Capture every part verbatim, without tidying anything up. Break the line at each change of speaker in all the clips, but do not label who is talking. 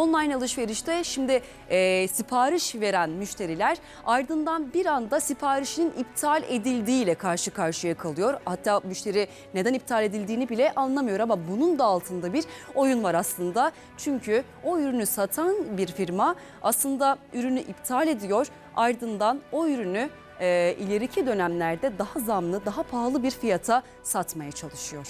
Online alışverişte şimdi e, sipariş veren müşteriler ardından bir anda siparişinin iptal edildiğiyle karşı karşıya kalıyor. Hatta müşteri neden iptal edildiğini bile anlamıyor ama bunun da altında bir oyun var aslında. Çünkü o ürünü satan bir firma aslında ürünü iptal ediyor, ardından o ürünü e, ileriki dönemlerde daha zamlı, daha pahalı bir fiyata satmaya çalışıyor.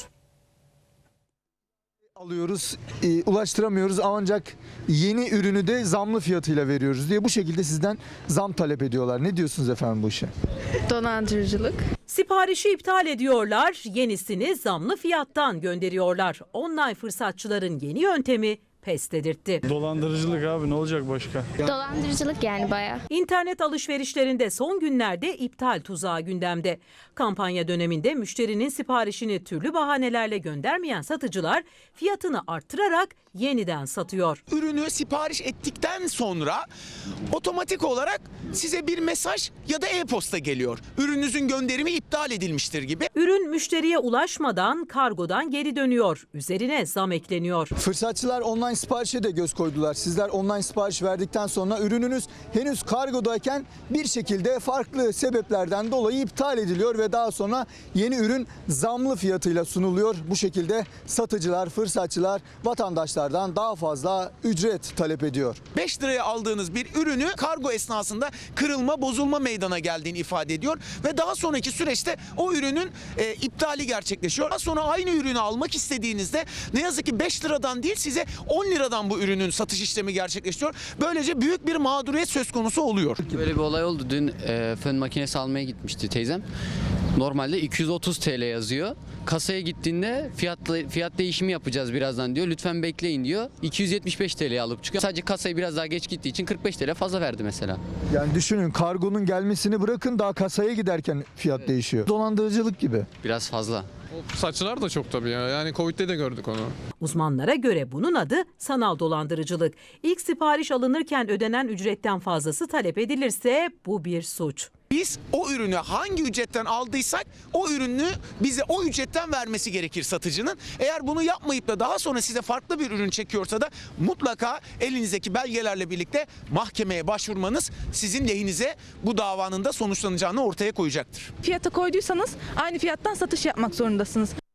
Alıyoruz, e, ulaştıramıyoruz ancak yeni ürünü de zamlı fiyatıyla veriyoruz diye bu şekilde sizden zam talep ediyorlar. Ne diyorsunuz efendim bu işe?
Dolandırıcılık.
Siparişi iptal ediyorlar, yenisini zamlı fiyattan gönderiyorlar. Online fırsatçıların yeni yöntemi pes dedirtti.
Dolandırıcılık abi, ne olacak başka?
Dolandırıcılık yani bayağı.
İnternet alışverişlerinde son günlerde iptal tuzağı gündemde. Kampanya döneminde müşterinin siparişini türlü bahanelerle göndermeyen satıcılar fiyatını arttırarak yeniden satıyor.
Ürünü sipariş ettikten sonra otomatik olarak size bir mesaj ya da e-posta geliyor. Ürününüzün gönderimi iptal edilmiştir gibi.
Ürün müşteriye ulaşmadan kargodan geri dönüyor. Üzerine zam ekleniyor.
Fırsatçılar online siparişe de göz koydular. Sizler online sipariş verdikten sonra ürününüz henüz kargodayken bir şekilde farklı sebeplerden dolayı iptal ediliyor ve daha sonra yeni ürün zamlı fiyatıyla sunuluyor. Bu şekilde satıcılar, fırsatçılar vatandaşlardan daha fazla ücret talep ediyor.
beş liraya aldığınız bir ürünü kargo esnasında kırılma, bozulma meydana geldiğini ifade ediyor ve daha sonraki süreçte o ürünün e, iptali gerçekleşiyor. Daha sonra aynı ürünü almak istediğinizde ne yazık ki beş liradan değil size on liradan bu ürünün satış işlemi gerçekleşiyor. Böylece büyük bir mağduriyet söz konusu oluyor.
Böyle bir olay oldu. Dün e, fön makinesi almaya gitmişti teyzem. Normalde iki yüz otuz TL yazıyor. Kasaya gittiğinde fiyatla, fiyat değişimi yapacağız birazdan diyor. Lütfen bekleyin diyor. iki yüz yetmiş beş TL'ye alıp çıkıyor. Sadece kasayı biraz daha geç gittiği için kırk beş TL fazla verdi mesela.
Yani düşünün, kargonun gelmesini bırakın, daha kasaya giderken fiyat evet. değişiyor. Dolandırıcılık gibi.
Biraz fazla.
Saçlar da çok tabii ya. Yani Covid'de de gördük onu.
Uzmanlara göre bunun adı sanal dolandırıcılık. İlk sipariş alınırken ödenen ücretten fazlası talep edilirse bu bir suç.
Biz o ürünü hangi ücretten aldıysak o ürünü bize o ücretten vermesi gerekir satıcının. Eğer bunu yapmayıp da daha sonra size farklı bir ürün çekiyorsa da mutlaka elinizdeki belgelerle birlikte mahkemeye başvurmanız sizin lehinize bu davanın da sonuçlanacağını ortaya koyacaktır.
Fiyata koyduysanız aynı fiyattan satış yapmak zorundasınız.